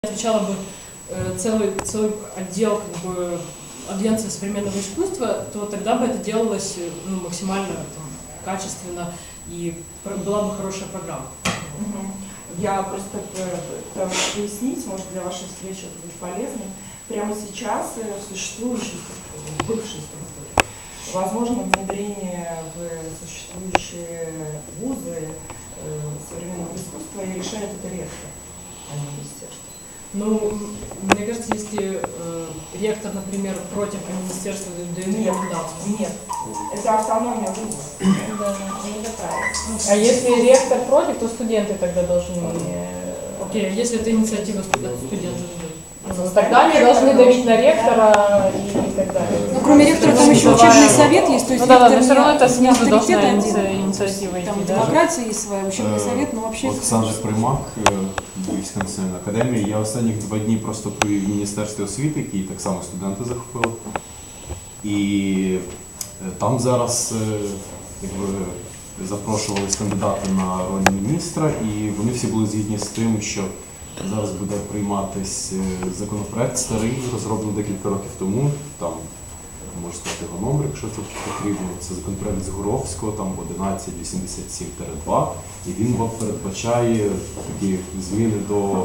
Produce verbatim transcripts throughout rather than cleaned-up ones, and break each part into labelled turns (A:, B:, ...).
A: отвечала бы э, целый, целый отдел как бы, Агентства современного искусства, то тогда бы это делалось ну, максимально там, качественно и была бы хорошая программа.
B: Угу. Я просто пытаюсь пояснить, может для вашей встречи это будет полезно. Прямо сейчас в существующей структуре, в бывшей структуре, возможно внедрение в существующие вузы э, современного искусства и решает это ректор, а не министерство.
A: Ну, мне кажется, если э, ректор, например, против министерства, да ему
B: Нет,
A: не
B: нет, это автономия вуза. Да, не такая.
C: А если ректор против, то студенты тогда должны...
A: Окей, okay, если это инициатива студентов?
C: Ну, тогда они должны давить на ректора и так далее.
D: Ну, кроме ректора, там еще учебный совет есть, то есть
C: ну, да, да, но
D: ректор
C: все равно это снизу должна
D: один.
C: инициатива идти,
D: Там
C: да?
D: демократия есть своя, учебный совет, но вообще...
E: Олександр Примак, Львівська національна академія. Я останні два дні просто провів в Міністерстві освіти, які так само студенти захопили. І там зараз якби, запрошувались кандидати на роль міністра, і вони всі були згідні з тим, що зараз буде прийматись законопроект старий, розроблений декілька років тому, там, можу сказати його номер, якщо це потрібно, це законопроект Згуровського, там одинадцять вісімдесят сім два, і він передбачає такі зміни до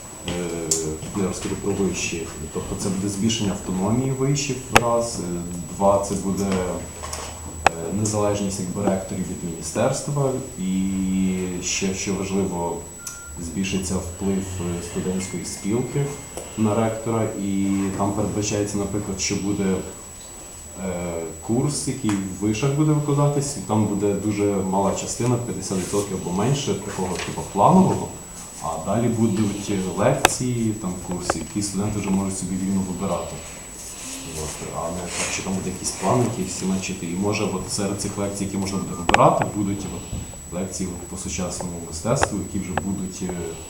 E: е, про вишів. Тобто це буде збільшення автономії вишів, раз, два, це буде незалежність якби ректорів від міністерства, і ще, що важливо, збільшиться вплив студентської спілки на ректора, і там передбачається, наприклад, що буде е, курс, який в вишах буде викладатись, і там буде дуже мала частина, п'ятдесят відсотків або менше, такого типу планового, а далі будуть лекції, там курси, які студенти вже можуть собі вільно вибирати. От, а не так, що там буде якісь плани, які всі мечити. І може от серед цих лекцій, які можна буде вибирати, будуть от, лекції по сучасному мистецтву, які вже будуть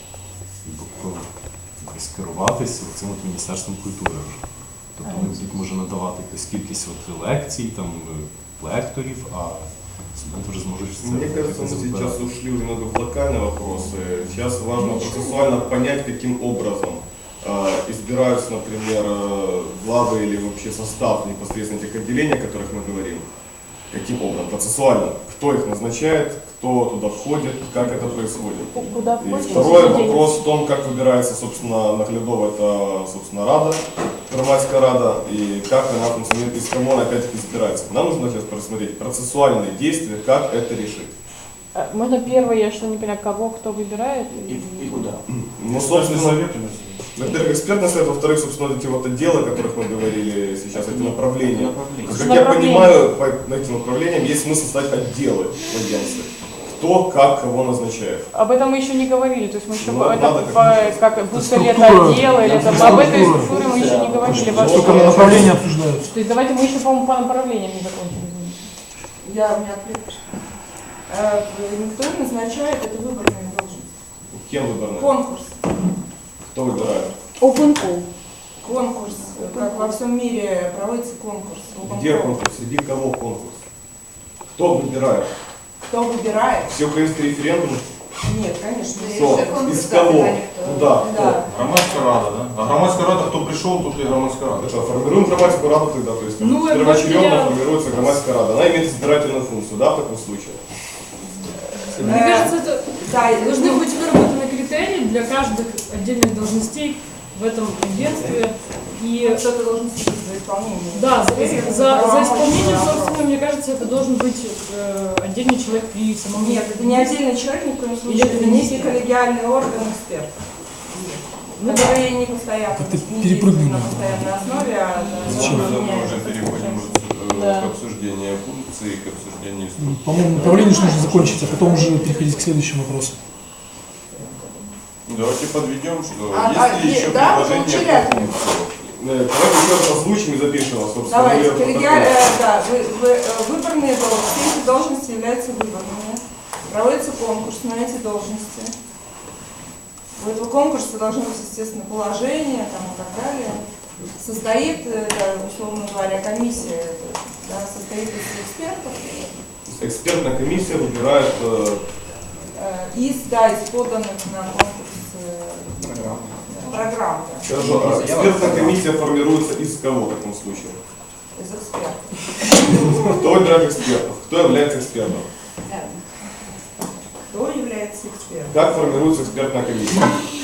E: якось керуватися цим от Міністерством культури. Тобто вони будуть може надавати якусь кількість от лекцій, там, лекторів, а студенты уже сможет...
F: Мне кажется, мы сейчас ушли уже немного в локальные вопросы. Сейчас важно процессуально понять, каким образом э, избираются, например, э, главы или вообще состав непосредственно этих отделений, о которых мы говорим. Каким образом? Процессуально. Кто их назначает, кто туда входит, как это происходит.
C: Куда
F: И
C: входит?
F: второй вопрос в том, как выбирается, собственно, наглядово это, собственно, Рада, Громадская Рада, и как она функционирует, из кого она опять-таки избирается. Нам нужно сейчас просмотреть процессуальные действия, как это решить.
C: Можно первое, я что не поняла, кого, кто выбирает?
F: И, и куда? Ну, собственно, во-первых, экспертный совет, во-вторых, собственно, эти вот отделы, о которых мы говорили сейчас, эти направления. направления. Как я понимаю, по этим направлениям есть смысл создать отделы в агентстве. Кто, как, кого назначает.
C: Об этом мы еще не говорили, то есть мы еще
F: ну,
C: это,
F: надо,
C: по, как, будто ли это отдел, или это, об этой структуре мы еще не говорили.
G: Сколько направления обсуждаются?
C: То есть давайте мы еще, по-моему, по направлениям не закончили.
B: Я у меня ответ. Э, никто не назначает, это выборная должность.
F: Кем выборная?
B: Конкурс.
F: Кто выбирает?
D: Open call.
B: Конкурс. Как во всем мире проводится конкурс.
F: Где конкурс? Среди кого конкурс? Кто выбирает?
B: Кто выбирает?
F: Все украинские референдумы?
B: Нет, конечно.
F: Кто? Из кого? Куда?
B: Да.
H: Громадская Рада, да? А Громадская Рада, кто пришел, тут и Громадская Рада.
F: Это формируем Громадскую Раду тогда, то есть
A: Ну,
F: первоочередно
A: я...
F: формируется Громадская Рада. Она имеет избирательную функцию, да, в таком случае?
A: Мне кажется, это
B: Да,
A: должны быть выработаны критерии для каждых отдельных должностей в этом агентстве. И
B: кто-то должен следить за исполнением.
A: да, за, за, за исполнением, собственно, мне кажется, это должен быть э, отдельный человек при самом...
B: Нет, это не отдельный человек, ни в коем случае. Это некий коллегиальный орган экспертов,
A: Ну,
B: которые не постоянно,
G: Как-то
B: не
G: перепрыгнули.
B: действуют на постоянной основе, а
G: Зачем?
H: Мы
B: меняются.
H: уже переходим
C: Да.
H: к обсуждению функций, к обсуждению структуры.
G: По-моему, направление же нужно закончить, а потом уже переходить к следующему вопросу.
H: Давайте подведем, что
B: А,
H: есть
B: а,
H: ли еще
B: да,
H: предложения
B: получили
H: по функции?
F: Давайте еще раз озвучим и запишем, собственно.
B: Давайте,
F: протокол.
B: коллегиаль- э, да, вы, вы, э, выборные должности, все эти должности являются выборными. Проводится конкурс на эти должности. У этого конкурса должно быть, естественно, положение там, и так далее. Состоит, э, да, условно говоря, комиссия, да, состоит из экспертов.
F: Экспертная комиссия выбирает э,
B: Э, из, да, из поданных на конкурс э, программ. Да. программа
F: Хорошо, а экспертная комиссия формируется из кого в таком случае?
B: из экспертов.
F: Кто выбирает экспертов? Кто является экспертом?
B: Кто является экспертом?
F: Как формируется экспертная комиссия?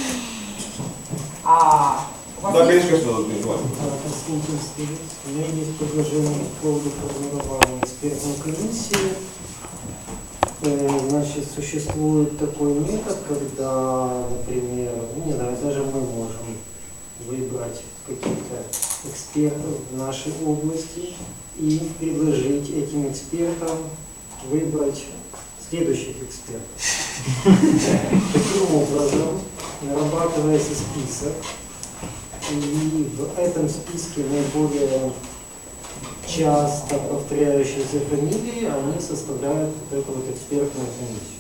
B: А у вас
F: Да,
B: есть-
F: конечно, что не желательно.
I: Константин Стилец. У меня есть предложение по поводу формирования экспертной комиссии. Э, Значит, существует такой метод, когда, например, не знаю, даже мы можем выбрать каких-то экспертов в нашей области и предложить этим экспертам выбрать следующих экспертов. Таким образом, нарабатывается список, и в этом списке наиболее часто повторяющиеся фамилии, они составляют вот эту вот экспертную комиссию.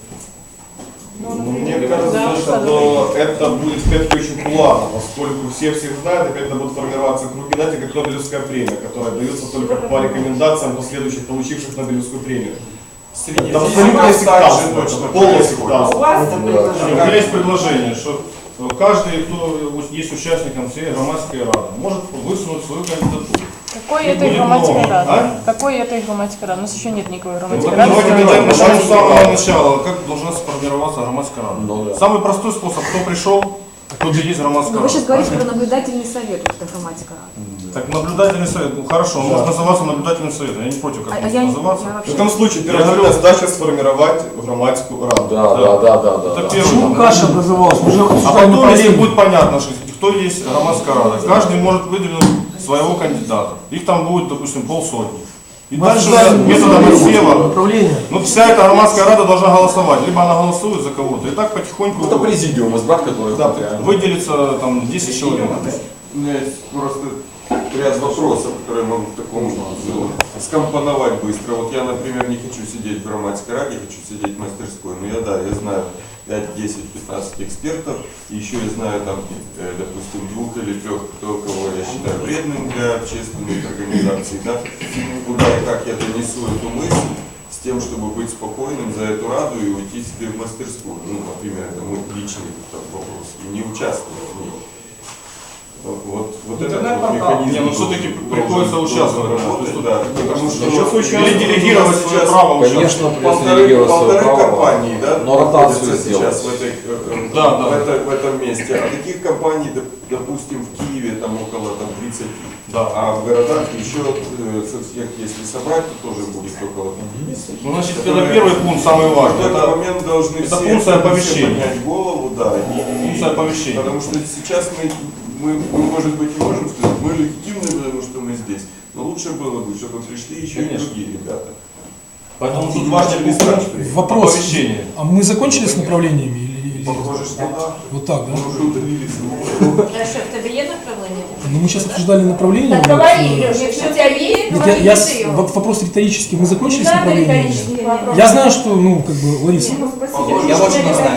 B: Ну,
F: Ну, Мне
B: например,
F: кажется,
C: Да,
F: что это будет все-таки очень плавно, поскольку все всех знают, и когда будут формироваться круги, знаете, как Нобелевская премия, которая дается только по рекомендациям последующих получивших Нобелевскую премию.
H: Среди
F: Это
H: всех
F: абсолютно
H: нас также
F: сектантство,
H: точно
F: это полное
H: происходит.
B: у
F: сектантство.
B: вас
I: Это
H: У
I: предложение.
H: меня есть предложение, что каждый, кто есть участником всей громадской рады, может высунуть свою кандидатуру.
C: Какой
H: И
C: это
H: будет
C: грамматика
H: много.
C: рада?
H: А?
C: Какой это грамматика рада? У нас еще нет никакой
H: Ну,
C: грамматики
H: так
C: рады.
H: давайте
C: Давайте
H: начнем
C: начнем
H: с самого начала, как должна сформироваться громадская рада.
E: Ну, да.
H: Самый простой способ, кто пришел, тот и есть громадская
D: Но
H: рада.
D: вы сейчас говорите про наблюдательный совет, вот это грамматика.
H: Так наблюдательный совет, ну хорошо, он может называться наблюдательным советом, я не против, как
D: А, а
H: может
D: я, не-
H: называться.
D: я
F: В
D: вообще...
F: этом случае
H: Я
F: первая
H: говорю-
F: задача сформировать грамматику раду.
E: Да, да, да, да, да.
H: Это
E: да.
H: первый.
G: Почему каша образовалась? Мы же
H: А
G: обсуждаем
H: потом, если
G: направление.
H: будет понятно, что кто есть громадская рада, каждый может выдвинуть своего кандидата. Их там будет, допустим, полсотни. И
G: Мы
H: дальше
G: обсуждаем
H: методом отсева,
G: направление.
H: ну вся эта громадская рада должна голосовать. Либо она голосует за кого-то, и так потихоньку
E: Это президиум, избрать который
F: Да,
H: выделится там десять человек.
J: У меня есть просто ряд вопросов, которые могу в таком ну, скомпоновать быстро. Вот я, например, не хочу сидеть в громадской раде, хочу сидеть в мастерской. Но я, да, я знаю пять, десять, пятнадцать экспертов. И еще я знаю, там, э, допустим, двух или трех, кто, кого я считаю вредным для общественных организаций. Да? Куда и как я донесу эту мысль с тем, чтобы быть спокойным за эту раду и уйти себе в мастерскую. Ну, например, это мой личный там, вопрос. И не участвовать в ней. Вот, вот этот вот механизм.
H: Не, ну все-таки
J: должен-
H: приходится
J: должен
H: участвовать,
J: работать,
H: то есть,
J: да, потому что
F: Сейчас очень
H: Или делегировать свое
J: сейчас
H: право участвовать.
E: Конечно, придется
J: полторы,
E: делегировать свое
J: полторы
E: право,
J: компании, да,
E: но ротацию
J: находятся сейчас
E: сделать.
J: в, этой, э, э,
H: Да,
J: в,
H: да.
J: этой- в этом месте. А таких компаний, доп- допустим, в Киеве там около там, тридцати.
H: Да.
J: А в городах еще, э, со всех, если собрать, то тоже будет около пятидесяти.
H: Ну, значит, это
J: которые
H: первый пункт, самый
J: В
H: важный.
J: этот
H: Это
J: момент должны
H: это
J: все,
H: функция
J: все
H: оповещения.
J: поднять голову, да. и-
H: Функция оповещения.
J: Потому что сейчас мы, мы, мы, может быть, не можем сказать, мы легитимны, потому что мы здесь. Но лучше было бы, чтобы пришли еще и
H: Конечно.
J: другие ребята.
H: Поэтому тут
J: И
H: важный
J: не
H: пункт
G: Вопрос.
H: оповещения.
G: А мы закончили с направлениями? Или, или-
J: Похоже, что да.
G: Вот так, да?
J: Мы уже удалились.
K: Хорошо, в тебе є направлення?
G: Ну, мы сейчас обсуждали направления.
K: Так
G: вот,
K: говори,
G: э,
K: Леша, якщо у тебе є,
G: нет, я,
K: говори
G: я
K: ти
G: с-
K: його.
G: вот вопрос риторический. Мы закончили
K: Не
G: с
K: надо
G: направлениями?
K: риторический вопрос.
G: Я знаю, что, ну, как бы, Лариса,
B: Ну, спасибо.
J: Похоже,
K: Я
J: что
K: очень
J: да.
K: не знаю.